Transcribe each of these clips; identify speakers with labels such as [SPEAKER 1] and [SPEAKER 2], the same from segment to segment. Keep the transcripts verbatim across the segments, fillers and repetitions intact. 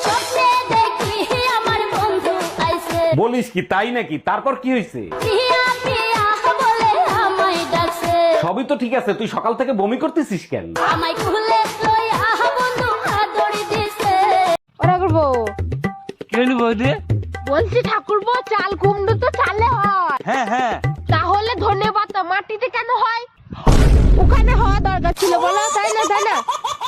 [SPEAKER 1] স্বপ্নে দেখি আমার বন্ধু আইছে,
[SPEAKER 2] বলিস কি, তাই নাকি? তারপর কি হয়েছে?
[SPEAKER 1] পিয়া পিয়া বলে আমায় ডাকছে,
[SPEAKER 2] সবই তো ঠিক আছে, তুই সকাল থেকে বমি করতেছিস কেন?
[SPEAKER 1] আমায় খুলে লইয়া বন্ধু আদর দিছে।
[SPEAKER 3] ওরা করবো
[SPEAKER 4] কি হলো বৌদি?
[SPEAKER 3] বলছি ঠাকুরপো, চাল কুমড়ো তো চালে হয়,
[SPEAKER 4] হ্যাঁ হ্যাঁ,
[SPEAKER 3] তাহলে ধন্যবাদ মাটিতে কেন হয়? ওখানে হওয়া দরকার ছিল, বলো তাই না? তাই না?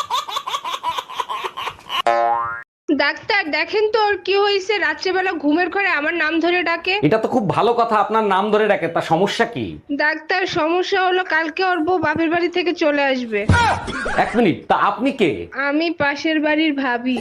[SPEAKER 5] ডাক্তার দেখেন তো ওর কি হয়েছে, রাত্রেবেলা ঘুমের ঘরে আমার নাম ধরে ডাকে।
[SPEAKER 2] এটা তো খুব ভালো কথা, আপনার নাম ধরে ডাকে, তা সমস্যা কি?
[SPEAKER 5] ডাক্তার সমস্যা হলো কালকে ওর বউ বাপের বাড়ি থেকে চলে আসবে।
[SPEAKER 2] এক মিনিট, তা আপনি কে?
[SPEAKER 5] আমি পাশের বাড়ির ভাবি।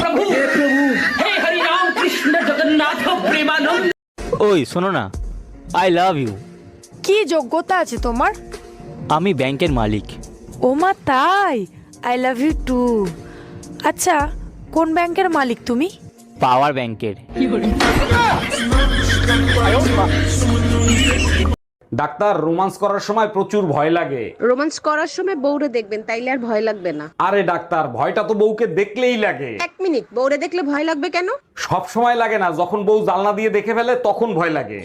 [SPEAKER 4] ওই শোনো না, আই লাভ ইউ।
[SPEAKER 6] কি যোগ্যতা আছে তোমার?
[SPEAKER 4] আমি ব্যাংকের মালিক।
[SPEAKER 6] ওমা তাই, আই লাভ ইউ টু। আচ্ছা, কোন ব্যাংকের মালিক তুমি?
[SPEAKER 4] পাওয়ার ব্যাংকের।
[SPEAKER 2] ডাক্তার, রোমান্স করার সময় প্রচুর ভয় লাগে।
[SPEAKER 7] রোমান্স করার সময় বউরে দেখবেন, তাইলে আর ভয় লাগবে না।
[SPEAKER 2] আরে ডাক্তার, ভয়টা তো বউকে দেখলেই লাগে।
[SPEAKER 7] এক মিনিট, বউরে দেখলে ভয় লাগবে কেন?
[SPEAKER 2] সব সময় লাগে না, যখন বউ জানলা দিয়ে দেখে ফেলে তখন ভয় লাগে।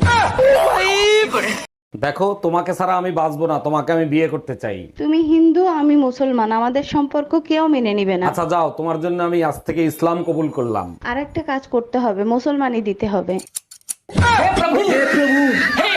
[SPEAKER 2] দেখো, তোমাকে ছাড়া আমি বাঁচবো না, তোমাকে আমি বিয়ে করতে চাই।
[SPEAKER 8] তুমি হিন্দু, আমি মুসলমান, আমাদের সম্পর্ক কেউ মেনে নিবে না।
[SPEAKER 2] আচ্ছা যাও, তোমার জন্য আমি আজ থেকে ইসলাম কবুল করলাম।
[SPEAKER 8] আর একটা কাজ করতে হবে, মুসলমানই দিতে হবে।